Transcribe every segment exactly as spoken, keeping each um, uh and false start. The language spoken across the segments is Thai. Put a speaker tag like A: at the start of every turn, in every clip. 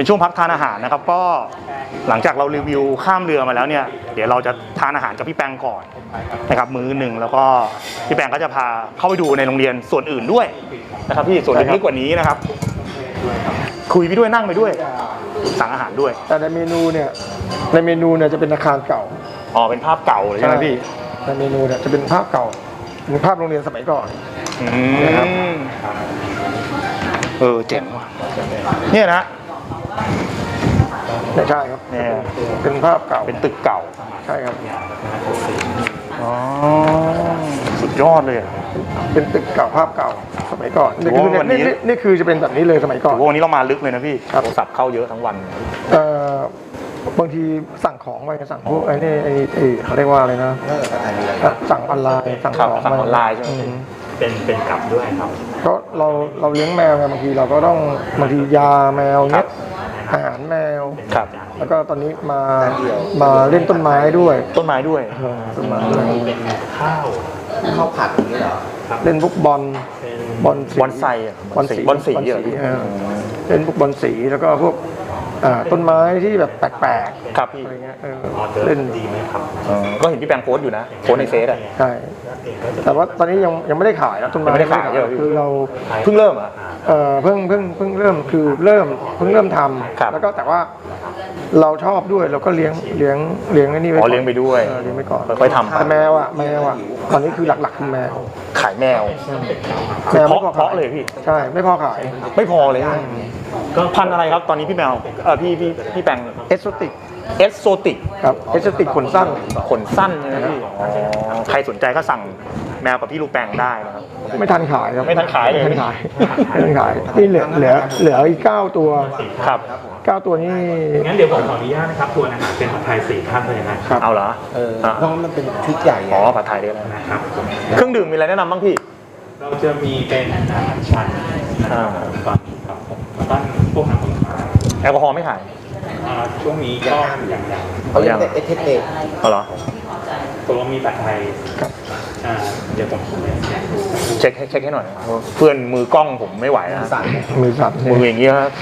A: เป็นช่วงพักทานอาหารนะครับก็หลังจากเรารีวิวข้ามเรือมาแล้วเนี่ยเดี๋ยวเราจะทานอาหารกับพี่แปงก่อนนะครับมื้อหนึ่งแล้วก็พี่แปงก็จะพาเข้าไปดูในโรงเรียนส่วนอื่นด้วยนะครับพี่ส่วนลึกกว่านี้นะครับคุยไปด้วยนั่งไปด้วยสั่งอาหารด้วย
B: แต่ในเมนูเนี่ยในเมนูเนี่ยจะเป็นอาคารเก่า
A: อ๋อเป็นภาพเก่าเลยใช่ไหมพี่
B: ในเมนูเนี่ยจะเป็นภาพเก่าเป็นภาพโรงเรียนสมัยก่อน
A: นะครับเออเจ๋งว่ะเนี่ยนะ
B: ใช่ครับเนี่ยเป็นภาพเก่า
A: เป็นตึกเก่า
B: ใช่ครับ
A: อ๋อสุดยอดเลย
B: เป็นตึกเก่าภาพเก่าสมัยก่อนนี่คือนี่นี่คือจะเป็นแบบนี้เลยสมัยก่อน
A: วันนี้เรามาลึกเลยนะพี่โทรศัพท์เข้าเยอะทั้งวัน
B: เอ่อบางทีสั่งของไปสั่งพวกไอ้นี่ไอ้ไอ้เขาเรียกว่าอะไรนะสั่งออนไลน์สั่งของ
A: สั่งออนไลน์ใช่ไหมเป็นเป็นกลับด้วยครับ
B: ก็เราเราเลี้ยงแมวไงบางทีเราก็ต้องบางทียาแมวเนี้ยอาหารแมว
A: ครับ
B: แล้วก็ตอนนี้มามาเล่นต้นไม้ด้วย
A: ต้นไม้ด้วย
B: ต้นไม้ด้วย
C: ข้าวข้าวผัดอย่างนี้เหรอ
B: เล่นพวกบอลบอล
A: บอลไซบอลสีบอลสีเยอะ
B: เล่นพวกบอลสีแล้วก็พวกต้นไม้ที่แบบแปลก
A: ๆครับพี่
B: อะไรเงี้ยเล่นดีไหมครับ
A: ก็เห็นพี่แปงโพสอยู่นะโพสในเฟซอ่ะ
B: ใช่แต่ว่าตอนนี้ยังยังไม่ได้ขายนะต้นไม้
A: ไม่ได้ขาย
B: คือเรา
A: เพิ่งเริ่มอ่ะ
B: เออเพิ่งเพิ่งเพิ่งเริ่มคือเริ่มเพิ่งเริ่มทำแล้วก็แต่ว่าเราชอบด้วยเราก็เลี้ยงเลี้ยงเลี้ยงนี่ไว้
A: ก่อนเลี้ยงไปด้วย
B: เลี้ยงไปก่อน
A: ค่อยๆทำ
B: แต่แมวอ่ะแมวอ่ะตอนนี้คือหลักๆคือแมว
A: ขายแมว
B: แมวไม่พอ
A: เพาะเลยพี่
B: ใช่ไม่พอขาย
A: ไม่พอเลยก็พันอะไรครับตอนนี้พี่แมวเออพี่พี่พี่แปง
B: เอสโซติก
A: เอสโซติก
B: ครับเอสโซติกขนสั้น
A: ขนสั้นใช่ไหมพี่ใครสนใจก็สั่งแมวกับพี่ลูกแปงได้นะครับ
B: ไม่ทันขายครับ
A: ไม่ทันขายเลย
B: ไม่ทันขายไม่ทันขายนี่เหลือเหลือเหลืออีกเก้าตัว
A: ครับ
B: เก้าตัวนี้
C: งั้นเดี๋ยวผมขออนุญาตนะครับตัวอาหารเป็นผัดไทยสี่ท่านเลยนะครับ
A: เอาเหรอ
C: เออเพราะมันเป็นชุดใหญ่
A: อ๋อผัดไทยได้แล้ว
C: นะครับ
A: เครื่องดื่มมีอะไรแนะนำบ้างพี่
C: เราจะมีเป็นอาหารชันตอนนี้ครับผมแล้วก็พวกน้ำผลไม้
A: แอลกอฮอล์ไม่ขาย
C: ช่วงนี้ก็อย่างอย่าง
A: เขาอย่าง
C: เอสเทเอ
A: เอาเหรอ
C: ตัวมีผัดไทยเดี๋ยวผม
A: เช็คเช็คให้หน่อยเพื่อนมือกล้องผมไม่ไหวนะ
B: มือสั่น
A: มืออย่างเงี้ยครับ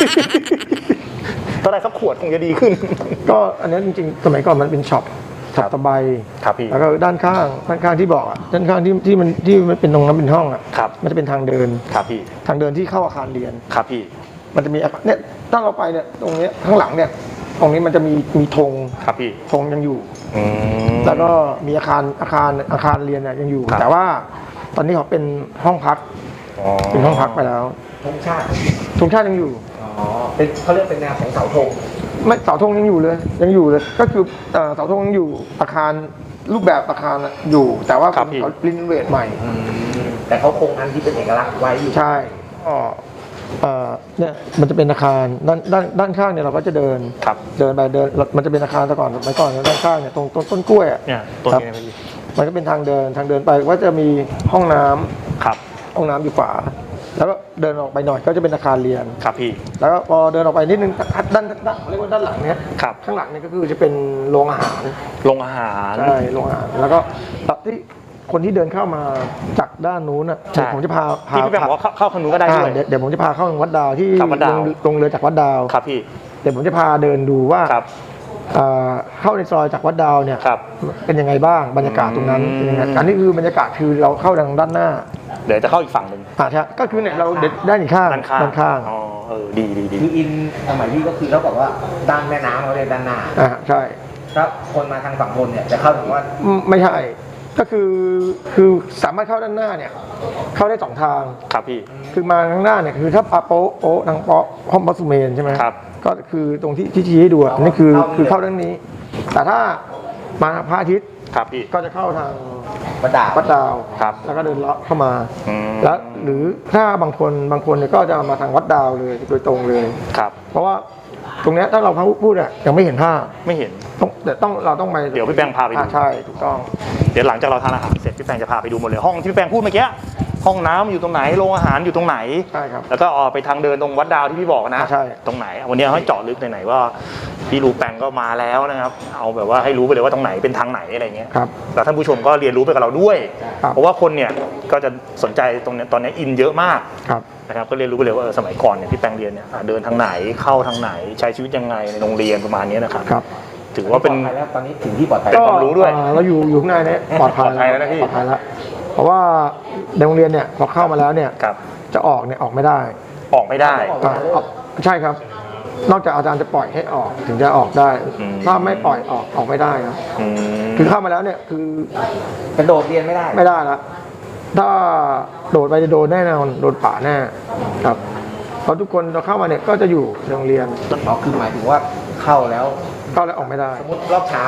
A: ถ้าได้สักขวดคงจะดีขึ้น
B: ก็อันนี้จริงๆสมัยก่อนมันเป็นช็อปช็อปตะไบ
A: ครับพี่
B: แล้วก็ด้านข้างด้านข้างที่บอกอ่ะด้านข้างที่ที่มันที่มันเป็นตรงนั้นเป็นห้องอ่ะ
A: ครับ
B: มันจะเป็นทางเดิน
A: ครับพี่
B: ทางเดินที่เข้าอาคารเรียน
A: ครับพี่
B: มันจะมีเนี่ยถ้าเราไปเนี่ยตรงนี้ข้างหลังเนี่ยตรงนี้มันจะมีมีธง
A: ครับพี่
B: ธงยังอยู่แล้วก็มีอาคารอาคารอาคารเรียนเนี่ยยังอยู่แต่ว่าตอนนี้เขาเป็นห้องพักเป็นห้องพักไปแล้ว
C: ธงชาติ
B: ธงชาติยังอยู่
C: อ๋อเป็นเขาเรียกเป็นแนวของเสาธง
B: ไม่เสาธงยังอยู่เลยยังอยู่เลยก็คือเสาธงยังอยู่อาคารรูปแบบอาคารอยู่แต่ว่าเขารีโนเวทใหม่
C: แต่เขาคงอันที่เป็นเอกลักษณ์ไว้อยู่
B: ใช่อ๋อเนี่ยมันจะเป็นอาคารด้านด้านด้านข้างเนี่ยเราก็จะเดินเดินไปเดินมันจะเป็นอาคารแต่ก่อนสมัยก่อนด้านข้างเนี่ยตรงต้นต้นกล้วยอ่ะ
A: เนี่ยต้นนี้
B: มันก็เป็นทางเดินทางเดินไปว่าจะมีห้องน้ำ
A: ครับ
B: ห้องน้ำอยู่ขวาแล้วก็เดินออกไปหน่อยก็จะเป็นอาคารเรียน
A: ครับพี่
B: แล้วก็พอเดินออกไปนิดนึงด้านด้านเรียกว่าด้านหลังเนี้ย
A: ครับ
B: ข้างหลังนี่ก็คือจะเป็นโรงอาหาร
A: โรงอาหาร
B: ใช่โรงอาหารแล้วก็ที่คนที่เดินเข้ามาจากด้านนู้นอ่ะผมจะพาพา
A: พี่พี่บอกว่าเข้าข้างนู้นก็ได้ด้วย
B: เดี๋ยวผมจะพาเข้าวัดดาวที่ลงเรือจากวัดดาว
A: ครับพี่
B: เดี๋ยวผมจะพาเดินดูว่าเข้าในซอยจากวัดดาวเนี่ยเป็นยังไงบ้างบรรยากาศตรงนั้นเป็นยังไงอันนี้คือบรรยากาศคือเราเข้าทางด้านหน้า
A: เดี๋ยวจะเข้าอีกฝั่งหนึ่ง
B: อ่าใช่ก็คือเนี่ยเราด้านอีกข้าง
A: ด้านข้าง
B: ด้านข้าง
A: อ๋อเออดีดีดี
C: คืออินสมัยพี่ก็คือเขาบอกว่าด้านแม่น้ำเขาเรียกด้านหน้า
B: อ่าใช่
C: ถ้าคนมาทางฝั่งบนเนี่ยจะเข้าทางว่า
B: ไม่ใช่ก็คือคือสามารถเข้าด้านหน้าเนี่ยเข้าได้สองทาง
A: ครับพี่
B: คือมาข้างหน้าเนี่ยคือถ้าปาโป๊ะโป๊ะทางโป๊ะห้องบัสเมนใช่ไหม
A: ครับ
B: ก็คือตรงที่ที่ชี้ให้ดูอันนี้คือคือเข้าด้านนี้แต่ถ้ามาพระอาทิตย์
A: ครับพี่
B: ก็จะเข้าทาง
C: วัดดาว
B: วัดดาว
A: ครับ
B: แล้วก็เดินเลาะเข้ามาแล้วหรือถ้าบางคนบางคนเนี่ยก็จะมาทางวัดดาวเลยโดยตรงเลย
A: ครับ
B: เพราะว่าตรงนี้ถ้าเราพูดอ่ะยังไม่เห็นภาพ
A: ไม่เห็น
B: ต้องเดี๋ยวต้องเราต้องไป
A: เดี๋ยวพี่แปงพาไปดู
B: ใช่ถูกต้อง
A: เดี๋ยวหลังจากเราทานอาหารเสร็จพี่แปงจะพาไปดูหมดเลยห้องที่พี่แปงพูดเมื่อกี้ห้องน้ำอยู่ตรงไหนโรงอาหารอยู่ตรงไหน
B: ใช่ครับ
A: แล้วก็ออกไปทางเดินตรงวัดดาวที่พี่บอกนะ
B: ใช่
A: ตรงไหนวันนี้ให้เจาะลึกไหนๆว่าพี่รูแปงก็มาแล้วนะครับเอาแบบว่าให้รู้ไปเลยว่าตรงไหนเป็นทางไหนอะไรเงี้ย
B: ครับ
A: แล้วท่านผู้ชมก็เรียนรู้ไปกับเราด้วย
B: ครับ
A: เพราะว่าคนเนี่ยก็จะสนใจตรงเนี้ยตอนนี้อินเยอะมาก
B: ครับ
A: นะครับก็เรียนรู้ไปเลยว่าเออสมัยก่อนเนี่ยพี่แปงเรียนเนี่ยอ่ะเดินทางไหนเข้าทางไหนใช้ชีวิตยังไงในโรงเรียนประมาณนี้นะครับ
B: ครับ
A: ถือว่าเป็น
D: ปลอดภัยแล้วตอนนี้ถึงที่ปลอดภัย
A: เป็นความรู้ด้วย
B: อ่าเราอยู่อยู่ข้างในเนี่ยปลอดภัย
A: ปลอดภัยแล้วนะพี่
B: ปลอดภัยแล้วเพราะว่าในโรงเรียนเนี่ยพอเข้ามาแล้วเนี่ย
A: ครับ
B: จะออกเนี่ยออกไม่ได้
A: ออกไม่ได้
B: อ่าออกใช่ครับ นอกจากอาจารย์จะปล่อยให้ออกถึงจะออกได้
A: อืม
B: ถ้าไม่ปล่อยออกออกไม่ได้ครับ
A: อืม
B: คือเข้ามาแล้วเนี่ยคือ
D: กระโดดเรียนไม่ได้
B: ไม่ได้ละถ้าโดดไปจะโดนแน่นอนโดนป่าแน่ครับเพราะทุกคนเราเข้ามาเนี่ยก็จะอยู่ในโรงเรียน
D: อ๋อคือหมายถึงว่าเข้าแล้ว
B: เข้าแล้วออกไม่ได้
D: สมมติรอบเช้าร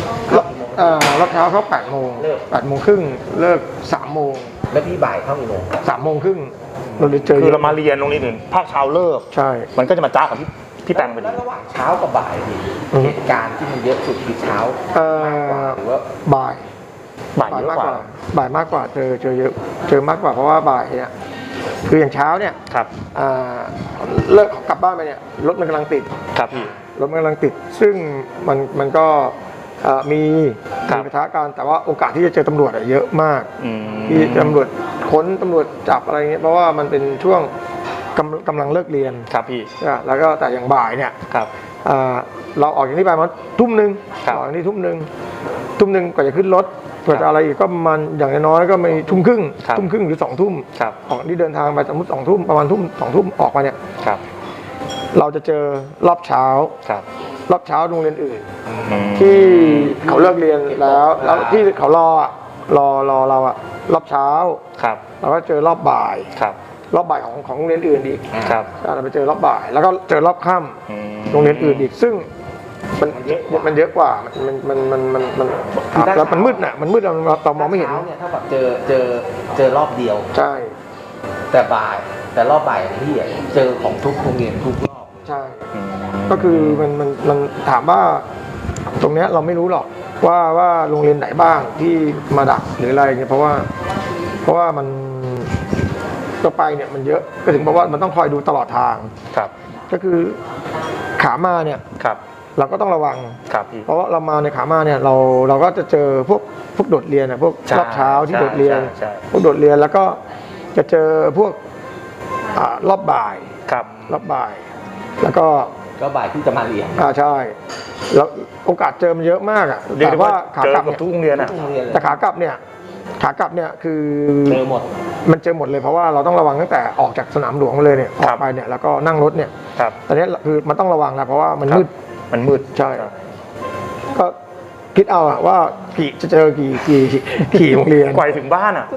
B: อบเอ่อรอบเช้าเขาแปดโมง
D: เลิก
B: แปดโมงครึ่งเลิกสามโมง
D: แล้วพี่บ่ายเข้ากี่โมง
B: สามโมงครึ่งเราเลยเจอ
A: คือเรามาเรียนโรงเรียนอื่นภาคเช้าเลิก
B: ใช่
A: มันก็จะมาจ้ากับพี่พี่แปงพอดี
D: แล้วระหว่างเช้ากับบ่ายพี่
B: อืม
D: เหตุการณ์ที่มันเยอะสุดคือเช้า
B: เอ่อ
D: หรือว่า
B: บ่าย
A: บ่ายเยอะกว่า
B: บ่ายมากกว่าเจอเจอเยอะเจอมากกว่าเพราะว่าบ่ายเนี่ยคืออย่างเช้าเนี่ย
A: ครับ
B: อ่าเลิกกลับบ้านไปเนี่ยรถมันกำลังติด
A: ครับพี่
B: รถมันกำลังติด ซึ่งมันมันก็เอ่อมี
A: ครับ
B: มีปะทะกันแต่ว่าโอกาสที่จะเจอตำรวจอะเยอะมาก
A: อืม
B: ที่ตำรวจค้นตำรวจจับอะไรเงี้ยเพราะว่ามันเป็นช่วงกำกำลังเลิกเรียน
A: ครับพี่
B: นะแล้วก็แต่อย่างบ่ายเนี่ย
A: ครับ
B: อ่าเราออกจากนี้ไปมันทุ่มหนึ่ง
A: ครับ
B: ออกจากนี้ทุ่มหนึ่งทุ่มหนึ่งกว่าจะขึ้นรถกว่า
A: ครั
B: จะ
A: บ
B: อะไรอีกก็ประมันอย่างน้อยๆก็มีทุ่มครึ่ง
A: ครับ
B: ทุ่มครึ่งหรือสองทุ่ม
A: ครับ
B: ออกที่เดินทางไปสมมติสองทุ่มประมาณทุ่มสองทุ่มออกมาเนี่ย
A: ครับ
B: เราจะเจอรอบเช้า
A: ครับ
B: รอบเช้าโรงเรียนอื่น
A: อืม
B: ที่เขาเลิกเรียนแล้วแล้วที่เขารออะรอรอเราอะรอบเช้า
A: ครับ
B: เราก็เจอรอบบ่าย
A: ครับ
B: รอบบ่ายของของโรงเรียนอื่นอีก
A: ครับ
B: เราไปเจอรอบบ่าย แล้วก็เจอรอบค่ำ
A: อืม
B: โรงเรียนอื่นอีกซึ่งมันมันเยอะกว่ามันมันมันมันมันมันแล้วมันมืดน่ะมันมืดเราเรามองไม่เห็น
D: เช้าเนี่ยถ้าแบบเจอเจอเจอรอบเดียว
B: ใช่
D: แต่บ่ายแต่รอบบ่ายของพี่อะเจอของทุกโรงเรียนทุกรอบ
B: ใช่
A: อืม
B: ก็คือมันมันมันถามว่าตรงเนี้ยเราไม่รู้หรอกว่าว่าโรงเรียนไหนบ้างที่มาดักหรืออะไรเงี้ยเพราะว่า เพราะว่ามันก็ไปเนี่ยมันเยอะก็ถึงบอกว่ามันต้องคอยดูตลอดทาง
A: ครับ
B: ก็คือขามาเนี่ย
A: ครับ
B: เราก็ต้องระวัง
A: ครับพี่
B: เพราะว่าเรามาในขามาเนี่ยเราเราก็จะเจอพวกพวกโดดเรียนนะพวก
A: ใช่
B: รอบเช้าที่
A: ใช่
B: โดดเรียน
A: ใช่ใช่
B: พวกโดดเรียนแล้วก็จะเจอพวกอ่ารอบบ่าย
A: ครับ
B: รอบบ่าย แล้วก็
D: ก็บ่ายที่จะมาเรียน
B: อ่าใช่แล้วโอกาสเจอมันเยอะมากอ่ะ
A: เรียก
B: แต่
A: ได้ว่า
B: ว่าขา
A: เจอก
B: ลับ
A: กับ
B: เนี่ย
A: ทุกโรงเรียนอ่ะ
D: ทุกโรงเรียนเลย
B: แต่ขากลับเนี่ยขากลับเนี่ยคือ
D: เจอหมด
B: มันเจอหมดเลยเพราะว่าเราต้องระวังตั้งแต่ออกจากสนามหลวงมาเลยเนี่ยอ
A: ค
B: อ
A: รั
B: ก
A: บ
B: ไปเนี่ยแล้วก็นั่งรถเนี่ย
A: ครับ
B: ตอนนี้คือมันต้องระวังนะเพราะว่ามัน
A: ครับ
B: มืด
A: มันมืด
B: ใช่ ก็คิดเอาอะว่ากี่จะเจอกี่กี่กี่โรงเรียน
A: กว่าจะถึงบ้านอ่ะ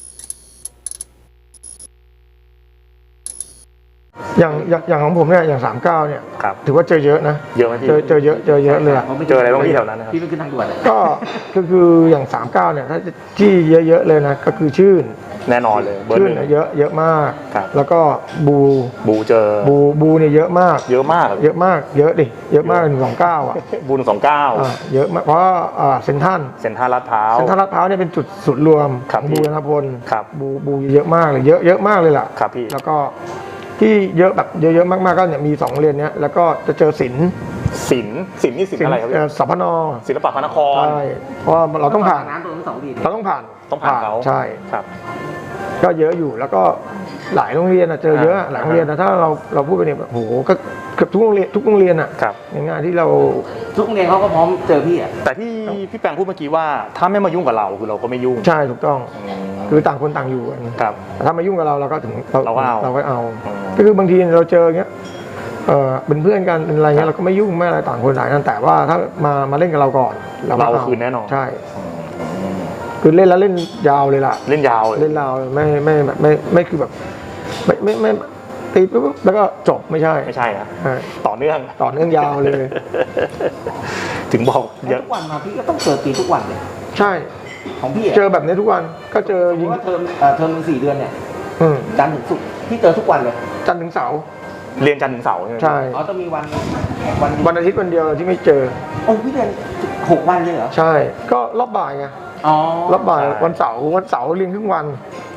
B: อย่างอย่างอย่างของผมเนี่ยอย่างสามเก้าเนี่ย
A: ครับ
B: ถือว่าเจอเยอะนะ
A: เยอะไหมพี่
B: เจอเจอเยอะเจอเยอะเลยอะ
A: เจออะไรบ้างพี่แถวนั้นนะครับ
D: พี่ไปขึ้นทางด่วนเลย
B: ก็ก็คืออย่างสามเก้าเนี่ยถ้าที่เยอะๆเลยนะก็คือชื่น
A: แน่นอนเลยเบอร์
B: ชื่
A: ห
B: น
A: นึ่ง
B: เนี่ยเยอะเยอะมาก
A: ครับ
B: แล้วก็บู
A: บูเจอ
B: บูบูเนี่ยเยอะมาก
A: เยอะมาก
B: เยอะมากเยอะดิเยอะมากหนึ่งสองเก้าอ่ะ
A: บูหนึ่งสองเก้า
B: อ่าเยอะมากเพราะอ่าเซนทรัน
A: เซ็นทรัลลาดพร้าว
B: เซนทรัลลาดพร้าวเนี่ยเป็นจุดศูนย์รวม
A: ครั
B: ข
A: บ
B: อง
A: พี่
B: บูรณพล
A: ครับ
B: บูบูเยอะมากเลยเยอะเยอะมากเลยล่ะ
A: ครับพี่
B: แล้วก็ที่เยอะแบบเยอะๆมากๆก็เนี่ยมีสองโรงเรียนเนี้ยแล้วก็จะเจอศิลป์
A: ศิลป์ศิลป์นี่ศิลป์อะไรครับ
B: เอ่
A: พี่
B: อสพน
A: ศิลปะพระนคร
B: ใช่เพราะว่าเราต้องผ่าน
D: น้ำตัวทั้งสองดี
B: เราต้องผ่าน
A: ต้องผ่านเขา
B: ใช่
A: ครับ
B: ก็เยอะอยู่แล้วก็หลายโรงเรียนอะเจอเยอะ
A: อ่า
B: หลายโรงเรียนนะถ้าเราเราพูดไปเนี่ยโอ้โหก็เกือบทุกโรงเรียนทุกโรงเรียนอะ
A: ครับ
B: ในงานที่เรา
D: ทุกโรงเรียนเขาก็พร้อมเจอพี่อ่ะ
A: แต่ที่พี่แปงพูดเมื่อกี้ว่าถ้าไม่มายุ่งกับเราคือเราก็ไม่ยุ่ง
B: ใช่ถูกต้อง
A: อืม
B: คือต่างคนต่างอยู่กัน
A: ครับ
B: แต่ถ้ามายุ่งกับเราเราก็ถึง
A: เราก็เอา
B: เราก็เอา
A: อืม
B: ก็คือบางทีเราเจออย่างเงี้ยเออเป็นเพื่อนกันเป็นอะไรเงี้ยเราก็ไม่ยุ่งไม่อะไรต่างคนต่างกันแต่ว่าถ้ามามาเล่นกับเราก่อนก็
A: เรา
B: อ
A: คืนแน่นอน
B: ใช่คือเล่นแล้วเล่นยาวเลยล่ะ
A: เล่นยาวเลย
B: เล่นยาวไม่ไม่ไม่ไม่ไม่คือแบบไม่ไม่ไม่ตีปุ๊บแล้วก็จบไม่ใช่
A: ไม่ใช่นะ
B: ใช่
A: ต่อเนื่อง
B: ต่อเนื่องยาวเลย
A: ถึงบอกเย
D: แล้ว
A: อะ
D: ทุกวันมาพี่ก็ต้องเจอตีทุกวันเลย
B: ใช่
D: ของพี่อะ
B: เจอแบบนี้ทุกวันก็เจอ
D: สมม
B: ยิง
D: ติว่าเทอมเอ่อเทอมหนึ่งสี่เดือนเนี่ย
B: อืม
D: จันทร์ถึงศุกร์พี่เจอทุกวันเลย
B: จันทร์ถึงเสาร์
A: เรียนจันทร์ถึงเสาร์ใช่ไหม
B: ใช่
D: อ๋อต้องมีวันวัน
B: วันอาทิตย์วันเดียวที่ไม่เจอ
D: โอ้พี่เรียนหกวันเลยเหรอ
B: ใช่ ก็รอบบ่ายไง
D: อ๋อ
B: รอบบ่ายวันเสาร์วันเสาร์เรียนครึ่งวัน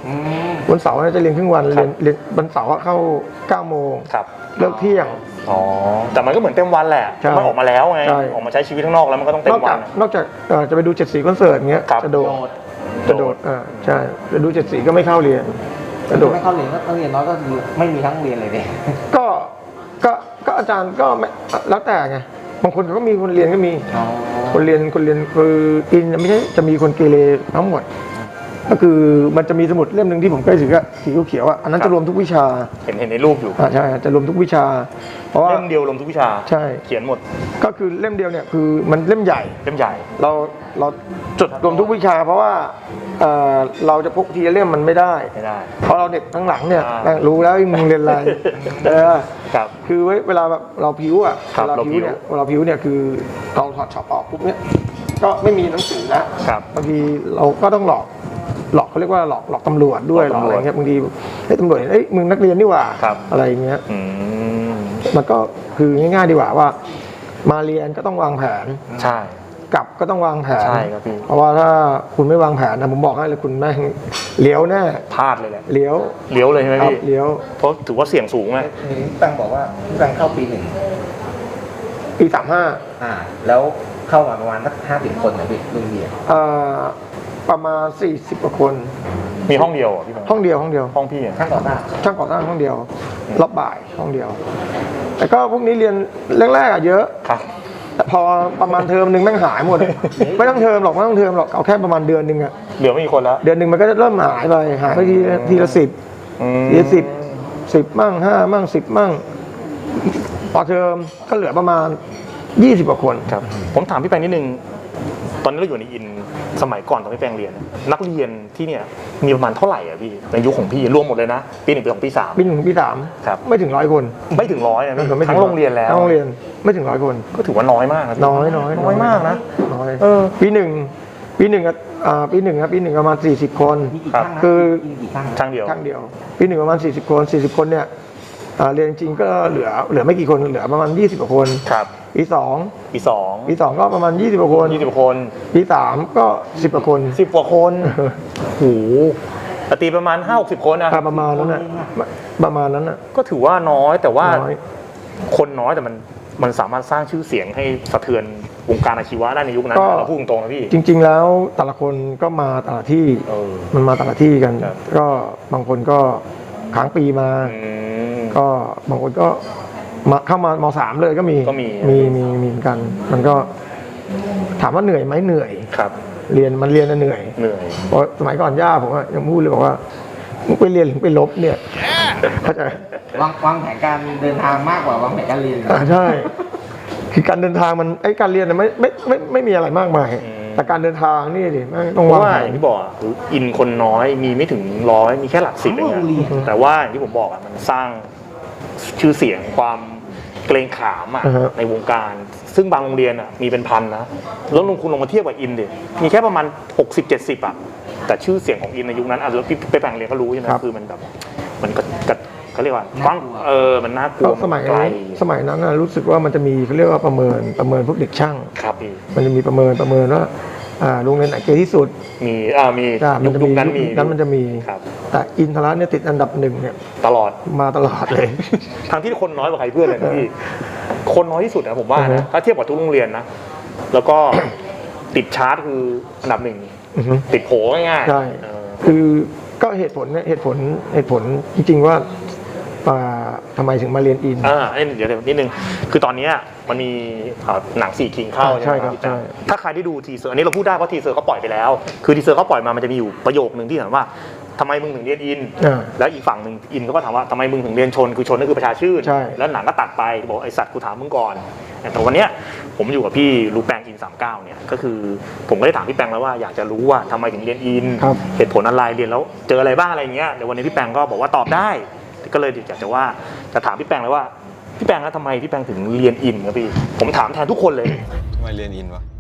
C: อืม
B: วันเสาร์เนี่ยจะเรียนครึ่งวัน
A: ครับ
B: เรียนเรียนวันเสาร์อะเข้าเก้าโมง
A: ครับ
B: เลิกเที่ยง
A: อ๋อแต่มันก็เหมือนเต็มวันแหละ
B: ใช่
A: มันออกมาแล้วไง
B: ใช่
A: ออกมาใช้ชีวิตข้างนอกแล้วมันก็ต้องเต็
B: น
A: ม
B: อก
A: วั
B: จาก
A: น
B: นอกจากเอ่อจะไปดูเจ็ดสีคอนเสิร์ตอย่างเงี้ย
A: ครับ
B: จะโดด
D: โดด
B: จะโดดอ่าใช่จะดูเจ็ดสีก็ไม่เข้าเรียนจะโดด
D: ไม่เข้าเรียนก็นักเรียนน้อยก็คือไม่มีทั้งโรงเรียนเลยเนี่ย
B: ก็ก็ก็อาจารย์ก็ไม่แล้วแต่ไงบางคนก็มีคนเรียนก็มี
D: อ๋อ
B: คนเรียนคนเรียนคืออินไม่ใช่จะมีคนเกเรทั้งหมด ก็คือมันจะมีสมุดเล่มหนึ่งที่ผมใกล้ถืออะสีเขียวๆอะอันนั้น
A: ครับ
B: จะรวมทุกวิชา
A: เห็นเห็นในรูปอยู่
B: อ่าใช่จะรวมทุกวิชา เพราะว่า
A: เล่มเดียวลงทุกวิชา
B: ใช่
A: เขียนหมด
B: ก็คือเล่มเดียวเนี่ยคือมันเล่มใหญ่
A: เล่มใหญ่
B: เราเราจดรวมทุกวิชา เพราะว่าเอ่อเราจะพกทีละเล่มมันไม่ได้
A: ไม่ได้
B: เพราะเราเด็กข้างหลังเนี่ย
A: อ่า
B: แม่งรู้แล้วไอ้มึงเรียนอะไรเออ
A: ครับ
B: คือเว้ยเวลาแบบเราพิ้วอ่ะ
A: ครับ
B: เวลา
A: เราพิ้
B: พิ้ว
A: ว
B: เนี่ยเวลาพิ้วเนี่ยคือเราถอดช็อปออกปุ๊บเนี่ยก็ไม่มีหนังสือแล้ว
A: ครับ
B: บางทีเราก็ต้องหลอกหลอกเขาเรียกว่าหลอกหลอกตำรวจด้วย
A: ห
B: ห
A: ล
B: ล
A: อ
B: อก ก
A: ตำรวจ
B: อะไรเงี้ยบางทีเฮ้ยตำรวจเห็นเอ้ยมึงนักเรียนนี่หว่า
A: ครับ
B: อะไรอย่างเงี้ย
A: อืม
B: มันก็คือง่ายๆดีกว่าว่า มาเรียนก็ต้องวางแผน
A: ใช่
B: กลับก็ต้องวางแผน
A: ใช่ครับพี่
B: เพราะว่าถ้าคุณไม่วางแผนนะผมบอกให้เลยคุณแม่งเลี้ยวแน่
A: พลาดเลยแหละ
B: เลี้ยว
A: เลี้ยวเลยใช่ไหม
B: ครับ
A: พี่
B: เลี้ยว
A: เพราะถือว่าเสี่ยงสูงไง
D: เห็นพี่แปงบอกว่าพี่แปงเข้าปีหนึ่ง
B: ปีสามห้า
D: อ่า แล้วเข้ามาประมาณสักห้าสิบคนนะพี่รุ่นเรียน
B: เอ่อประมาณสี่สิบกว่าคน
A: มีห้องเดียวเหรอพี่บง
B: ห้องเดียวห้องเดียว
A: ห้องพี่อะ
D: ช่างก่อสร้าง
B: ช่างก่อสร้างห้องเดียวรอบบ่ายห้องเดียว แต่ก็พวกนี้เรียนแรกๆอะเยอะ
A: ครับ
B: แต่พอประมาณเทอมหนึ่งแม่งหายหมด ไม่ต้องเทอมหรอกไม่ต้องเทอมหรอกเอาแค่ประมาณเดือนหนึ่งอะ
A: เหลือไม่กี่คนแล้ว
B: เดือนหนึ่งมันก็จะเริ่มหายไปหายไปทีละทีละสิบ
A: อืม
B: ทีละสิบสิบมั่งห้ามั่งสิบมั่งพอเทอมก็เหลือประมาณยี่สิบกว่าคน
A: ครับ ผมถามพี่แปงนิดนึง ตอนนี้เราอยู่ในอินสมัยก่อนตอนพี่แปงเรียน นักเรียนที่เนี่ยมีประมาณเท่าไหร่อะพี่ในยุคของพี่รวมหมดเลยนะ ปีหนึ่งปีสองปีสาม
B: ปีหนึ่งถึงปีสาม
A: ครับ
B: ไม่ถึงร้อยคน
A: ไม่ถึงร้อยนะ
B: ไม่
A: พี่
B: ถึไม่ถึ
A: ทั้งโรงเรียนแล้ว
B: ทั้งโรงเรียนไม่ถึงร้อยคน
A: ก็ถือว่าน้อยมากนะพี่
B: น้อยน้อย
A: น้อยมากนะ
B: น้อย
A: เออ
B: ปีหนึ่งปีหนึ่งอะอ่าปีหนึ่งครับปีหนึ่งประมาณสี่สิบคน
D: มีกี่
A: ครับ
D: ช่างนะ
B: คือ
D: มีกี่ช่าง
A: ช่างเดียว
B: ครั้งเดียว ปีหนึ่งประมาณสี่สิบคนสี่สิบคนเนี่ยอ่าเรียนจริงๆก็เหลือเหลือไม่กี่คนเหลือประมาณยี่สิบกว่าคน
A: ครับ
B: ปีสอง
A: ปีสอง
B: ปีสองก็ประมาณยี่สิบกว่าคน
A: ยี่สิบคน
B: ปีสามก็สิบกว่าคน
A: สิบกว่าคนโหแต่ตีประมาณห้าหกสิบคนนะ
B: อ่าประมาณนั้นน่ะประมาณนั้นน่ะ
A: ก็ถือว่าน้อยแต่ว่า
B: น้อย
A: คนน้อยแต่มันมันสามารถสร้างชื่อเสียงให้สะเทือนวงการอาชีวะได้ในยุคนั้น
B: ก็
A: เราพูดตรงๆนะพี่
B: จริง ๆ แล้วแต่ละคนก็มาแต่ละที่
A: เออ
B: มันมาแต่ละที่กัน
A: ครับ
B: ก็บางคนก็ค้างปีมา
A: อืม
B: ก็บางคนก็มาเข้ามามสามเลยก็มี
A: ก็มี
B: มีมีมีเหมือนกัน มันก็ถามว่าเหนื่อยไหมเหนื่อย
A: ครับ
B: เรียนมันเรียนน่ะเหนื่อย
A: เหนื่อย
B: เพราะสมัยก่อนย่าผมอะยังพูดเลยบอกว่ามึงไปเรียนหรือไปลบเนี่ยเข้าใจ
D: วางวางแผนการเดินทางมากกว่าวางแผนการเรียน
B: อ่าใช่ คือการเดินทางมันไอ้การเรียนน่ะไม่ไม่ไม่ไม่มีอะไรมากมาย
A: อืม
B: แต่การเดินทางนี่ดิแม่งต้อง
A: เพราะ
B: วาง
A: ว่า
B: แผ
A: อน ย่างที่บอกอะอินคนน้อยมีไม่ถึงร้อยมีแค่หลักสิบเอง
D: โรงเรียน
A: อะแต่ว่าอย่างที่ผมบอกอะมันสร้างชื่อเสียงความเกรงขามอะ
B: อ่าฮะ
A: ในวงการ ซึ่งบางโรงเรียนอะมีเป็นพันนะแล้วลงคุณลงมาเทียบกับอินดิมีแค่ประมาณหกสิบเจ็ดสิบอะแต่ชื่อเสียงของอินในยุคนั้นอ่ะแล้วพี่ไปแปลงเรียนก็รู้ใช่ไหมคือมันแบบมันก็ก็เขาเรียกว่ากว้างเออมันน่ากลั
B: ก็
A: ว
B: สมัย
A: ไกล
B: สมัยนั้นน่ะรู้สึกว่ามันจะมีเขาเรียกว่าประเมินประเมินพวกเด็กช่าง
A: ครับพี่
B: มันจะมีประเมินประเมินว่าอ่าโรงเรียนไหนเก่งที่สุด
A: มีอ่ามี
B: อ่ามั
A: ยุ
B: น
A: ค
B: จะ
A: ยุ
B: มี
A: คนั้นมี
B: นั้นมันจะมี
A: ครับ
B: แต่อินทรัตน์เนี่ยติดอันดับหนึ่งเนี่ย
A: ตลอด
B: มาตลอดเลย
A: ทั้งที่คนน้อยกว่าใครเพื่อนเลยนะพี่ คนน้อยที่สุดนะผมว่า
B: อือฮึ
A: นะ ถ้าเทียบกับทุกโรงเรียนนะ แล้วก็ ติดชาร์ตคืออันดับหนึ่ง
B: อือฮึ
A: ติดโผง่ายๆ
B: ใช่
A: เออ
B: คือก็เหตุผลเนี่ยเหตุผลเหตุผลจริงๆว่าอ่าทำไมถึงมาเรียนอิน
A: อ่าเอ้ยเดี๋ยวเดี๋ยวนิดนึง คือตอนเนี้ยมันมีเอ่อหนังสี่คิงเข้า
B: อ่าใช่ครับ
A: พี่
B: ใช่
A: แจ๊ถ้าใครได้ดูทีเซอร์อันนี้เราพูดได้เพราะทีเซอร์เขาปล่อยไปแล้ว คือทีเซอร์เขาปล่อยมามันจะมีอยู่ประโยคนึงที่ถามว่าทำไมมึงถึงเรียนอิน
B: อ่า
A: แล้วอีกฝั่งหนึ่งอินเขาก็ถามว่าทำไมมึงถึงเรียนชนคือชนก็คือประชาชื่น
B: ใช่
A: แล้วหนังก็ตัดไปบอกไอสัตว์กูถามมึงก่อนแต่วันเนี้ยผมอยู่กับพี่รูแปงอินสามเก้าเนี่ยก็คือผมก็ได้ถามพี่แปงแล้วว่าอยากจะรู้ว่าทำไมถึงเรียนอิน
B: ครับ
A: เหตุผลอะไรเรียนแล้วเจออะไรบ้างอะไรเงี้ยเดี๋ยววันนี้พี่แปงก็บอกว่าตอบได้ ก็เลยอยากจะว่าจะถามพี่แปงเลยว่าพี่แปงแล้วทำไมพี่แปงถึงเรียนอินครับพี่ผมถามแทนทุกคนเลย
E: ทำไมเรียนอินวะ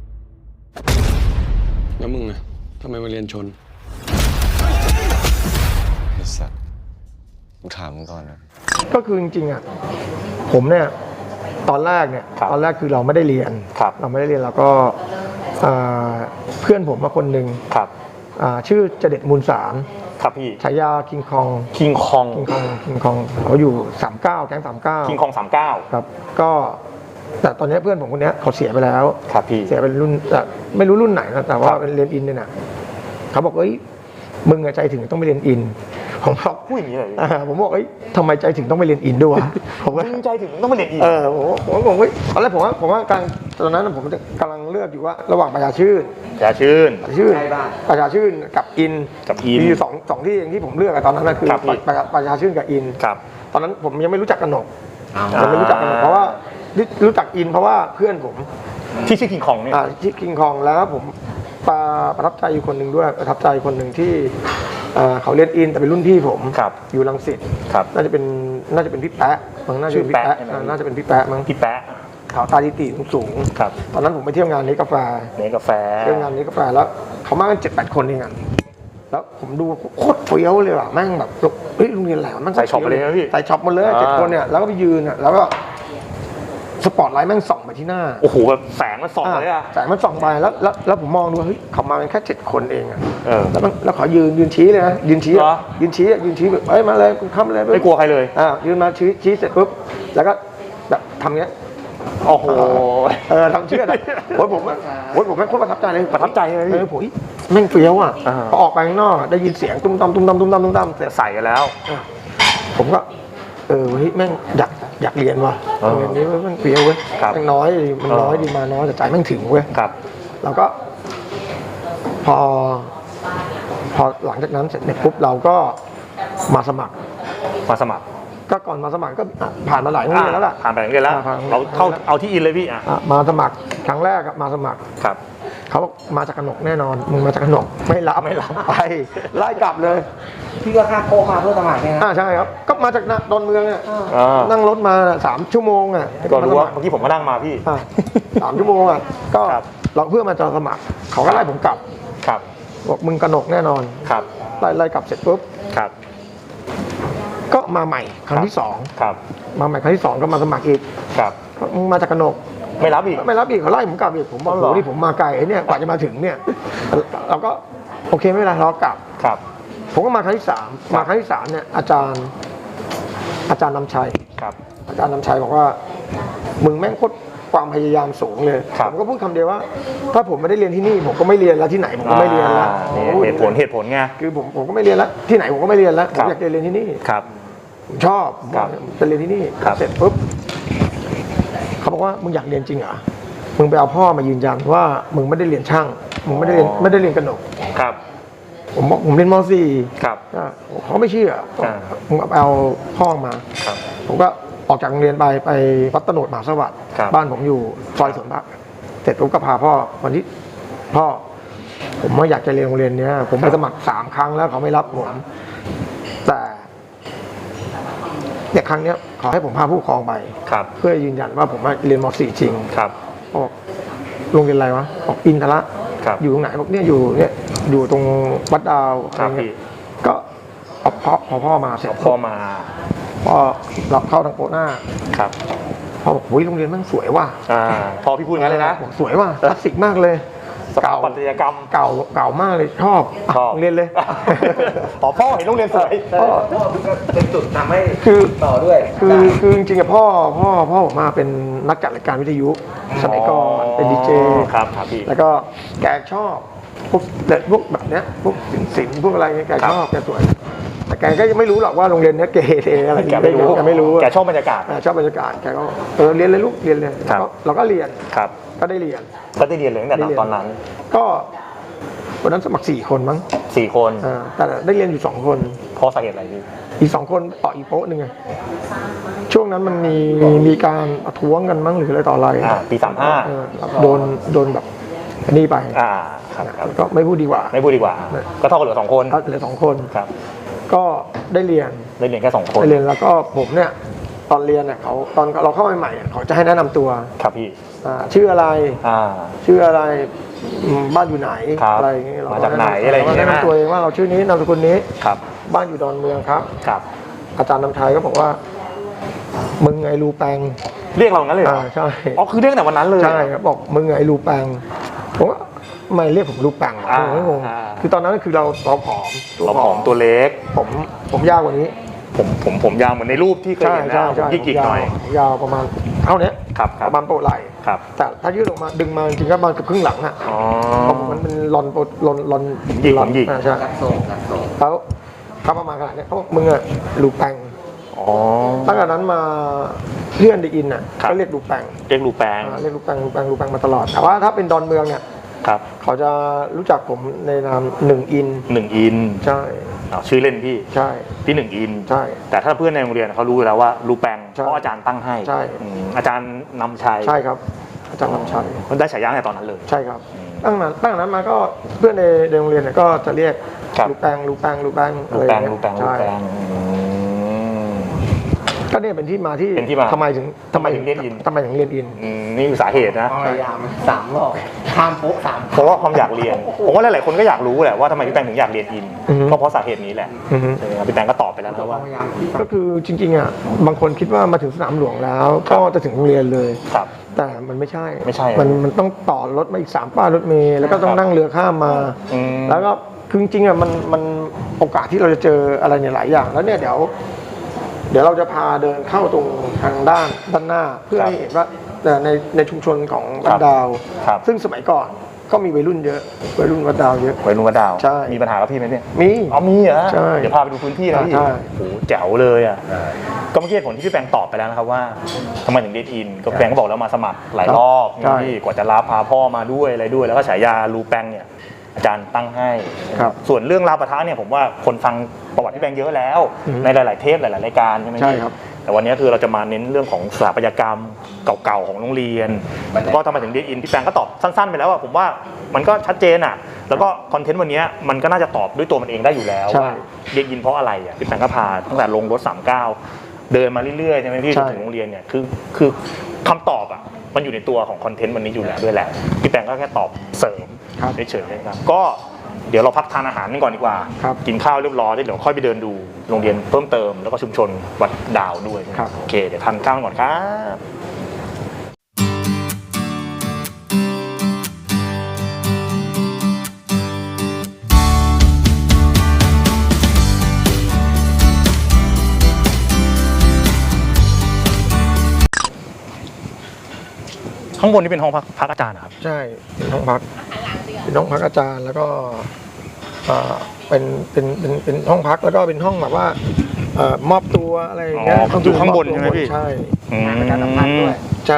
F: แล้วมึงอะทำไมมาเรียนชน
E: ไอ้สัสกูถามมึงก่อนนะ
B: ก็คือจริงๆอ่ะผมเนี่ยตอนแรกเนี่ย
A: ครับ
B: ตอนแรกคือเราไม่ได้เรียน
A: ครับ
B: เราไม่ได้เรียนเราก็อ่าเพื่อนผมมาคนหนึ่ง
A: ครับ
B: อ่าชื่อเจเด็ดมูลสาร
A: ครับพี่
B: ฉายาคิงคอง
A: คิงคอง
B: คิงคองคิงคองเขาอยู่สามเก้าแก๊งสามเก้า
A: คิงคองสามเก้า
B: ครับก็แต่ตอนนี้เพื่อนผมคนเนี้ยเขาเสียไปแล้ว
A: ครับพี่
B: เสียเป็นรุ่นแต่ไม่รู้รุ่นไหนนะแต่ว่า
A: ครับ
B: เป็นเรียนอินเนี่ยนะเขาบอกเอ้ยมึงอะใจถึงต้องไปเรียนอินผมบอก
A: พูดอย่างนี้เลย
B: อ่าผมบอกเอ้ยทำไมใจถึงต้องไปเรียนอินด้วยวะผมก็
A: มึงใจถึงต้องมาเรียนอีก
B: เออผมผมผมเฮ้ยตอนแรกผมว่าผมว่ากำลังตอนนั้นผมกำลังเลือกอยู่ว่าระหว่างประชาชื่น
A: อย่าชื่น
B: ประชาชื่น
D: ใกล้บ้าน
B: ประชาชื่นกับอิน
A: กับอิน
B: มีอยู่สองสองที่เองที่ผมเลือกอะตอนนั้นนะคือ
A: ครับพี่
B: ประชาประชาชื่นกับอิน
A: ครับ
B: ตอนนั้นผมยังไม่รู้จักกนก
D: เอา
A: อ่า
B: ยังไม่รู้จักกนกเพราะว่ารู้รู้จักอินเพราะว่าเพื่อนผม
A: ที่ชื่อคิงคองเนี่ย
B: อ่าที่คิงคองแล้วผมประประทับใจอยู่คนหนึ่งด้วยประทับใจคนหนึ่งที่เอ่อเขาเรียนอินแต่เป็นรุ่นพี่ผม
A: ครับ
B: อยู่รังสิต
A: ครับ
B: น่าจะเป็นน่าจะเป็นพี่แปะมั้งน่าจะเป็นพี่
A: ชื่อแปะ
B: แปะ
A: ใช่ไหม
B: อ่าน่าจะเป็นพี่แปะมั้ง
A: พี่แปะ
B: ขาวตาดีตีสูงๆ
A: ครับ
B: ตอนนั้นผมไปเที่ยวงานนี้กาแฟ
A: เนกาแฟ
B: เที่ยวงานนี้กาแฟแล้วเขามากันเจ็ดแปดคนเองอะแล้วผมดูโคตรเฟี้ยวเลยว่ะแม่งแบบเฮ้ยโรงเรียนอะไรวะแม่ง
A: ใส่ช็อปไปเลยนะพี่
B: ใส่ช็อปหมดเลย
A: อ่า
B: เจ็ดคนเนี่ยแล้วก็ไปยืนอะแล้วก็สปอตไลท์แม่งส่องไปที่หน้า
A: โอ้โหแบบแสงมันส่องเลยอะ
B: แสงมันส่องไปแล้วแล้วแล้วผมมองดูว่าเฮ้ยเขามากันแค่เจ็ดคนเองอะ
A: เออ
B: แล้วมันแล้วเขายืนยืนชี้เลยนะยืนชี้
A: เหรอ
B: อะยืนชี้อะยืนชี้แบบเอ้ยมาเลยคุณเข้ามาเลย
A: ไม่กลัวใครเลย
B: อ่ายืนมาชี้ชี้เสร็จปุ๊บแล้วก็แบบทำเงี้ย
A: โอ้โห
B: เออทำเชื่อนะโอ้ยผมอะโอ้ยผมแม่งโคตรประทับใจเลย
A: ประทับใจเลยพี่
B: เออผมแม่งเฟี้ยวอ่ะ
A: อ่า
B: พอออกไปข้างนอกอะได้ยินเสียงตุ้มตามตุ้มตามตุ้มตามตุ้มตามเสร็จ
A: ใส่กันแล้ว
B: ผมก็เออเฮ้ยแม่งอยากอยากเรียนว่ะ
A: เออ
B: โรงเรียนนี้แม่งเฟี้ยวเว้ย
A: ครับ
B: แม่งน้อยดีมันน้อยดีมาน้อยแต่ใจแม่งถึงเว้ย
A: ครับ
B: แล้วก็ พอ พอหลังจากนั้นเสร็จเนี่ยปุ๊บเราก็มาสมัคร
A: มาสมัคร
B: ก็ก่อนมาสมัครก็อ่ะผ่านมาหลายโรงเรียนแล้วล่ะ
A: ผ่านไปโรงเรียนแล้ว
B: อ่าผ่าน
A: เราเข้าเอาที่อินเลยพี่อ่ะ
B: อ่ะมาสมัครครั้งแรกอะมาสมัคร
A: ครับ
B: เขาบอกมาจากกนกแน่นอน มึงมาจากกนกไม่รับไม่รับไปไล่กลับเลย
D: พี่ก็ค่าโค้งมาเพื่อสมัครเนี่ยนะ
B: อ่าใช่ครับ ก็มาจากดอนเมืองเนี่ย
A: อ่า
B: นั่งรถมาน่ะสามชั่วโมงอ่ะ
A: ก็รู้ว่า
B: มาสมัค
A: เมื่อกี้ผมก็นั่งมาพี่
B: อ่ะสามชั่วโมงอ่ะก็
A: ครับ
B: เราเพื่อมาจะสมัคร เขาก็ไล่ผมกลับ
A: ครับ
B: บอกมึงกนกแน่นอน
A: ครับ
B: ไล่ไล่กลับเสร็จปุ๊บ
A: ครับ
B: ก็มาใหม่ครั้งที่สอง
A: ครับ
B: มาใหม่ครั้งที่สองก็มาสมัครอีก
A: ครับ
B: มึงมาจากกนก
A: ไม่รับอีก
B: ไม่รับอีกเขาไล่ผมกลับอีกผมบอก
A: อ๋อ
B: โอ้
A: เหรอ
B: โหนี่ผมมาไกลไอ้เนี่ยกว่าจะมาถึงเนี่ยเราก็โอเคไม่เป็นไรเรากลับ
A: ครับ
B: ผมก็มาครั้งที่สามมาครั้งที่สามเนี่ยอาจารย์ อาจารย์นำชัย
A: ครับ
B: อาจารย์นำชัยบอกว่า มึงแม่งโคตรความพยายามสูงเลย
A: ครับ
B: ผมก็พูดคำเดียวว่า ถ้าผมไม่ได้เรียนที่นี่ ผมก็ไม่เรียนแล้วที่ไหนผมก็ไม่เรียนแล้ว
A: อ่า
B: ผมพูด
A: เหตุผลเหตุผลไง
B: คือผมผมก็ไม่เรียนแล้วที่ไหนผมก็ไม่เรียนแล้วผ
A: ครั
B: ม
A: บ
B: อยากจะเรียนที่นี่
A: ครับ
B: ผมชอบผม
A: ครั
B: ว่า
A: บ
B: จะเรียนที่นี่
A: ครับ
B: เสร็จปุ๊บเขาบอกว่ามึงอยากเรียนจริงเหรอมึงไปเอาพ่อมายืนยันว่ามึงไม่ได้เรียนช่างมึงไม่ได้เรียนไม่ได้เรียนกระหนก
A: ครับ
B: ผมบอกผมเรียนม .สี่
A: ครับ
B: ก็เขาไม่เชื่อ
A: อ่า
B: มึงเอาพ่อมา
A: ครับ
B: ผมก็ออกจากโรงเรียนไปไปวัดตโนดมหาสวัสดิ์
A: ครับ
B: บ้านผมอยู่ซอยสวนพระเสร็จผมก็พาพ่อวันที่พ่อ ผมว่าอยากจะเรียนโรงเรียนเนี้ย ผมไปสมัครสามครั้งแล้วเขาไม่รับผมแต่เนี่ยครั้งเนี้ยขอให้ผมพาผู้ปกครองไป
A: ครับ
B: เพื่อยืนยันว่าผมมาเรียนม .สี่ จริง
A: ครับ
B: บอกโรงเรียนอะไรวะบอกอินทระ
A: ครับ
B: อยู่ตรงไหนบอกเนี่ยอยู่เนี่ยอยู่ตรงวัดดาวอะ
A: ค
B: ไร
A: รับ
B: เงี้
A: พี่
B: ยก็เอาพ่อพอพ่อมาเสร็จ
A: พ่อมา
B: พ่อรับเข้าทางโปะหน้า
A: ครับ
B: พ่อบอกโอ้ยโรงเรียนแมันสวยว่ะ
A: อ่าพอพี่พูดงั้นเลยนะ
B: บอกสวยว่ะคลาสสิกมากเลย
A: สถาปัตยกรรม
B: เก่าเก่ามากเลยชอบ
A: ชอบ
B: โรงเรียนเลย
A: อ๋อพ่อเห็นโรงเรียนสวย
B: พ่อ
D: พ่อก็เป็นจุดทำให้
B: คือ
D: ต่อด้วย
B: คือคือจริงๆอะพ่อพ่อพ่อผมมาเป็นนักจัดรายการวิทยุสมัยก่อนเป็นดีเจ
A: ครับครับพี่
B: แล้วก็แกชอบพวกพวกแบบเนี้ยพวกสินสินพวกอะไรเงี้ยแกชอบแกสวยแต่แกก็ยังไม่รู้หรอกว่าโรงเรียนเนี้ยเกเรอะไร
A: แกไม่รู้
B: แกไม่รู้
A: แกชอบบรรยากาศ
B: อ่าชอบบรรยากาศแกก็เออเรียนเลยลูกเรียนเลย
A: ครับ
B: เราก็เรียน
A: ครับ
B: ก็ได้เรียน
A: ก็ได้เรียนเลยตั้งแต่
B: ได้เรียน
A: ตอนนั้น
B: ก็วันนั้นสมัครสี่คนมั้ง
A: สี่คน
B: อ่าแต่ได้เรียนอยู่สองคน
A: เพราะสาเหตุอะไรพี่
B: อีกสองคนต่ออีกโป๊ะหนึ่งไงช่วงนั้นมันมีมีการประท้วงกันมั้งหรืออะไรต่ออะไร
A: อ่าปีสามห้า
B: เออโดนโดนแบบอันนี้ไป
A: อ่าครับครับ
B: ก็ไม่พูดดีกว่า
A: ไม่พูดดีกว่า ก็เท่ากับเหลือสองคน
B: ก็เหลือสองคน
A: ครับ
B: ก็ได้เรียน
A: ได้เรียนแค่สองคน
B: ได้เรียนแล้วก็ผมเนี่ยตอนเรียนเนี่ยเขาตอนเราเข้าใหม่ๆเนี่ยเขาจะให้แนะนำตัว
A: ครับพี่
B: อ่าชื่ออะไร
A: อ่า
B: ชื่ออะไรอืมบ้านอยู่ไหน
A: ครับ
B: อะไรอย่างเงี้ยเร
A: มาจากไหนอะไรอย่างเงี้ย
B: แนะนำตัวเองว่าเราชื่อนี้นามสกุลนี้
A: ครับ
B: บ้านอยู่ดอนเมืองครับ
A: ครับ
B: อาจารย์นำชัยก็บอกว่า มึงไงรูแปง
A: เรียกเรางั้นเลยเหรอ
B: อ่าใช่
A: อ๋อคือเรียกตั้งแต่วันนั้นเลย
B: ใช่ครับบอกมึงไงรูแปงผมว่าไม่เรียกผมลูกแปง
A: อ่า
B: ผมก็งง
A: อ่า
B: คือตอนนั้นคือเราเราผอม
A: เราผอมตัวเล็ก
B: ผมผมยาวกว่านี้
A: ผมผมผมยาวเหมือนในรูปที่เคย
B: ใช่
A: เห็น
B: ใช่
A: นะผม
B: ใช่
A: ยิกๆหน่อย
B: ผมยาวประมาณเท่าเนี้ย
A: ครับค
B: ป
A: รับ
B: ระมาณโปะไหล่
A: ครับ
B: แต่ถ้ายืดออกมาดึงมาจริงๆก็ประมาณเกือบครึ่งหลังอะ
A: อ๋อ
B: เพราะมันเป็นลอนโปะลอนลอน
A: ผมหยิก
B: ลอน
A: ผมหยิก
B: อ่าใช่
D: นักโซงนักโซง
B: แล้วเขาประมาณขนาดเนี้ยเขาบอกมึงอะลูกแปง
A: อ๋อ
B: ตั้งแต่นั้นมาเพื่อนได้อินอ่ะ
A: ครับ
B: ก็เรียกลูกแปง
A: เรียกลูแปง
B: อ่าเรียกลูกแปงลูกแปงลูกแปงมาตลอดแต่ว่าถ้าเป็นดอนเมืองเนี่ย
A: ครับ
B: เขาจะรู้จักผมในนามหนึ่งอิน
A: หนึ่งอิน
B: ใช่
A: อ้าวชื่อเล่นพี่
B: ใช่
A: พี่หนึ่งอิน
B: ใช่
A: แต่ถ้าเพื่อนในโรงเรียนเขารู้อยู่แล้วว่าลูแปง
B: ใช่
A: เพราะอาจารย์ตั้งให้
B: ใช่
A: อืมอาจารย์นำชัย
B: ใช่ครับ อาจารย์นำชัย
A: เขาได้ฉายาในตอนนั้นเลย
B: ใช่ครับ
A: อืม
B: ตั้งนั้นตั้งแต่นั้นมาก็เพื่อนในในโรงเรียนเนี่ยก็จะเรียก
A: ครับ
B: ลูกแปงลูกแปงลูกแปง
A: ลู
B: อะไรอ
A: แป
B: ย่าง งเงี้ย
A: ลูแปงลู
B: ใช่
A: แปงอืม
B: ก็เนี่ยเป็นที่มาที่
A: เป็นที่มา
B: ทำไมถึง
A: ทำไมถึงเรียนอิน
B: ทำไมถึงเรียนอิน
A: อืมนี่คือสาเหตุนะ
D: พยายามสามรอบข้ามโป๊ะสาม
A: เพราะว่าความอยากเรียน ผมว่าหลายๆคนก็อยากรู้แหละว่าทำไมพี่แปงถึงอยากเรียนอิน
B: อือฮึ
A: ก็เพราะสาเหตุนี้แหละ
B: อือฮึ
A: ใช่ไหมครับพี่แปงก็ตอบไปแล้วนะว่า
D: พยายาม
B: ก็คือจริงๆอ่ะบางคนคิดว่ามาถึงสนามหลวงแล้ว ก็จะถึงโรงเรียนเลย
A: ครับ
B: แต่มันไม่ใช่
A: ไม่ใช่
B: มันมันต้องต่อรถมาอีกสามป้ายรถเมล์แล้วก็ต้อง
A: ครับ
B: นั่งเรือข้ามมา
A: อืม
B: แล้วก็คือจริงๆอ่ะมันมันโอกาสที่เราจะเจออะไรเนี่ยหลายอย่าง แล้วเนี่ยเดี๋ยวเดี๋ยวเราจะพาเดินเข้าตรงทางด้านด้านหน้า เพื่อให้เห็นว่าแต่ในในชุมชนของวัดดาว
A: ครับ
B: ซึ่งสมัยก่อนก็มีวัยรุ่นเยอะวัยรุ่นวัดดาวเยอะ
A: วัยรุ่นวัดดาว
B: ใช่
A: มีปัญหากับพี่ไหมเนี่ย
B: มี
A: อ๋อมีเหรอ
B: ใช่
A: เดี๋ยวพาไปดูพื้นที่นะพี่
B: ใช่
A: โอ้โหแจ๋วเลยอ่ะก็เมื่อกี้ผลที่พี่แปงตอบไปแล้วนะครับว่าทำไมถึงเรียนอินก็แปงก็บอกแล้วมาสมัครหลายรอบ
B: ใช่
A: นี่กว่าจะรับพาพ่อมาด้วยอะไรด้วย แล้วก็ฉายาลูแปงเนี่ยอาจารย์ตั้งให้
B: ครับ
A: ส่วนเรื่องราวปะทะเนี่ยผมว่าคนฟังประวัติพี่แปงเยอะแล้ว
B: อืม
A: ในหลาย ๆ เทปหลาย ๆ รายการใช่ไหมพี่
B: ใช่ครับ
A: แต่วันนี้คือเราจะมาเน้นเรื่องของสถาปัตยกรรมเก่าๆของโรงเรียนแล้วก็ทำไมถึงเรียนอินพี่แปงก็ตอบสั้น ๆ ไปแล้วอะผมว่ามันก็ชัดเจนอะแล้วก็คอนเทนต์วันนี้มันก็น่าจะตอบด้วยตัวมันเองได้อยู่แล้ว
B: ใช่
A: ว่าเรียนอินเพราะอะไรอะพี่แปงก็พาตั้งแต่ลงรถสามเก้าเดินมาเรื่อยๆใช่ไหมพี่จ
B: ใช่
A: นถึงโรงเรียนเนี่ยคือคือคำตอบอะมันอยู่ในตัวของคอนเทนต์วันนี้อยู่แล้วด้วยแหละพี่แปงก็แค่ตอบเสริม
B: ครับ
A: เฉยๆนะครับก็เดี๋ยวเราพักทานอาหารกันก่อนดีกว่า
B: ครับ
A: กินข้าวเรียบร้อยแล้วเดี๋ยวค่อยไปเดินดูโรงเรียนเพิ่มเติมแล้วก็ชุมชนวัดดาวด้วย
B: ครับ
A: โอเคเดี๋ยวทานข้าวกันก่อนครับ ข้างบนนี่เป็นห้องพักพักอาจารย์นะครับ
B: ใช่เป็นห้องพักเป็นห้องพักอาจารย์แล้วก็เอ่อเป็นเป็นเป็นเป็นห้องพักแล้วก็เป็นห้องแบบว่าเอ่อมอบตัวอะไรอย่างเงี้ย
A: อ๋อ
B: ต้อง
A: อยู่ข้างบน
B: มอบตัว
A: ใช่ไหมพี่
B: ใช่
A: อืม
D: ประชาสัมพันธ์ด้วย
B: ใช่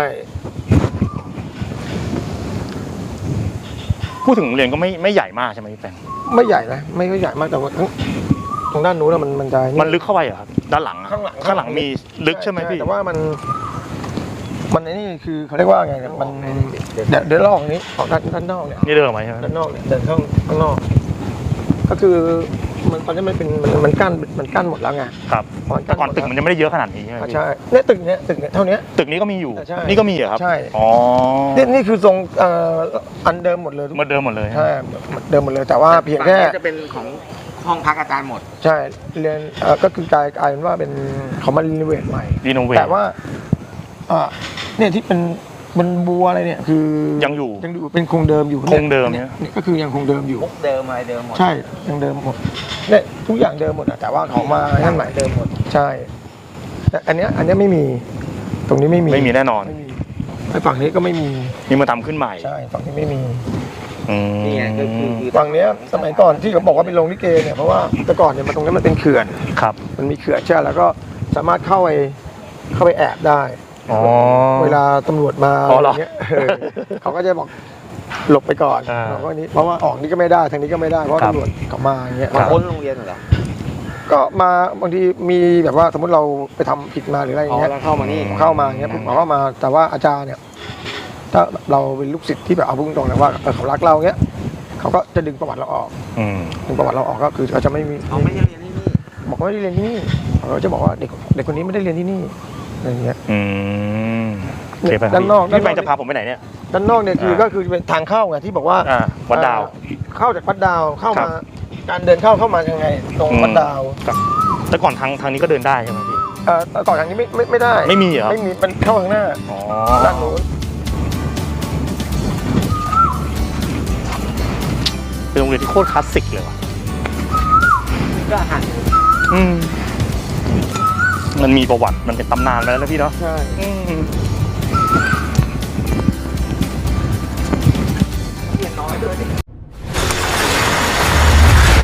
A: พูดถึงโรงเรียนก็ไม่ไม่ใหญ่มากใช่ไหมพี่แปง
B: ไม่ใหญ่นะไม่ค่อยใหญ่มากแต่ว่าทั้งตรงด้านนู้นนะมันมันจะ
A: มันลึกเข้าไปเหรอครับด้านหลังอะ
B: ข้างหลัง
A: ข้างหลังมีลึกใช่ไหมพี่
B: แต่ว่ามันมันไอ้นี่คือเขาเรียกว่าไงเนี่ยมันเดี๋ยวเดี๋ยวเราออกนี้ออกด้านด้านนอกเนี่ย
A: นี่เดินออกมาใช่ไหม
B: ด้านนอกเนี่ยเดินเข้าข้างนอก ก็คือมันตอนนี้มันเป็นมันมันกั้นมันกั้นหมดแล้วไง
A: ครับ
B: มัน
A: แต่ก่อนตึกมันยังไม่ได้เยอะขนาดนี้ใช่ไหม
B: อ่ะ
A: พี่
B: ใช่เนี่ยตึกเนี้ยตึกเนี้ยเท่าเนี้ย
A: ตึกนี้ก็มีอยู่
B: ใช่
A: นี่ก็มีเหรอครับ
B: ใช่
A: อ๋อ
B: นี่นี่คือทรงเอ่ออันเดิมหมดเลยทุก
A: เหมือนเดิมหมดเลย
B: ใช่เดิมหมดเลยแต่ว่าเพียงแค่
D: ฝั่นี้จะเป็นของห้องพักอาจารย์หมด
B: ใช่เรียนเอ่อก็คือกลายกลายเป็นว่าเป็นเขามารีโนเวทใหม่
A: รีโนเวท
B: แต่ว่าอ่าเนี่ยที่เป็นมันบัวอะไรเนี่ยคือ
A: ยังอยู่
B: ยังอยู่เป็นคงเดิมอยู่
A: คงเดิม
B: เนี่
A: เนี่ย ย
B: เนี่ยก็คือยังคงเดิมอยู่
D: มุกเดิมอะไรเดิมหมด
B: ใช่ยังเดิมหมดเนี่ยทุกอย่างเดิมหมดอะแต่ว่าเขามาให้ใหม่เดิมหมดใช่แต่อันเนี้ยอันเนี้ยไม่มีตรงนี้ไม่มี
A: ไม่มีแน่นอน
B: ไม่มีไอ้ฝั่งนี้ก็ไม่มี
A: นี่มาทำขึ้นใหม่
B: ใช่ฝั่งนี้ไม่มี
A: อืม
D: นี่ไงก็คือคือ
B: ฝั่งเนี้ยสมัยก่อนที่เขาบอกว่าเป็นโรงลิเกเนี่ยเพราะว่าแต่ก่อนเนี่ยมันตรงนี้มันเป็นเขื่อน
A: ครับ
B: มันมีเขื่อนใช่แล้วก็สามารถเข้าไปเข้าไปแอบได้
A: อ๋อ
B: เวลาตำรวจมา
A: อ๋อ
B: อะ
A: เห
B: ไร
A: รอ
B: เงี้ยเออเขาก็จะบอกหลบไปก่อน
A: อ่า
B: เราก็นี้เพราะว่าออกนี้ก็ไม่ได้ทางนี้ก็ไม่ได้เพราะ
A: ครับ
B: ตำรวจเขามาอย่างเงี้ย
A: ครับ
D: พ้นโรงเรียนเหรอ
B: ก็มาบางทีมีแบบว่าสมมติเราไปทำผิดมาหรืออะไรอย่างเงี้ย
D: อ๋อแล้วเข้ามานี่
B: เข้ามาอย่างเงี้ยปุ๊บเขาเข้ามาแต่ว่าอาจารย์เนี่ยถ้าเราเป็นลูกศิษย์ที่แบบเอาพูดตรงๆนะว่าเออเขารักเราเงี้ยเขาก็จะดึงประวัติเราออก
A: อืม
B: ดึงประวัติเราออกก็คือเขาจะไม่มี
D: เขาไม่ได้เรียนที่นี่
B: บอกว่าไม่ได้เรียนที่นี่เขาก็จะบอกว่าเด็กเด็กคนนี้ไม่ได้เรียนที่นี่อะไรอย่างเงี้ย
A: อืมโอเคไปครับ
B: ด้านนอก
A: พี่
B: ด้านนอก
A: แปงจะพาผมไปไหนเนี่ย
B: ด้านนอกเนี่ยคือ
A: อ่า
B: ก็คือเป็นทางเข้าไงที่บอกว่า
A: อ่าวัดดาว
B: เอ่อเข้าจากวัดดาวเข้า
A: ครั
B: มา
A: บ
B: การเดินเข้าเข้ามายังไง ตรงวัดดาว
A: ครับแต่ก่อนทางทางนี้ก็เดินได้ใช่ไหมพี่
B: เอ่อแต่ก่อนทางนี้ไม่ไม่ไม่ได้
A: ไม่มีเหรอ
B: ไม่มีมันเข้าข้างหน้า
A: อ๋อ
B: ด้านนู้น
A: เป็นโรงเรียนที่โคตรคลาสสิกเลยว่ะ
D: ก็อาหาร
A: อืมมันมีประวัติมันเป็นตำนานไปแล้วนะพี่เนาะ
B: ใช่
A: อืม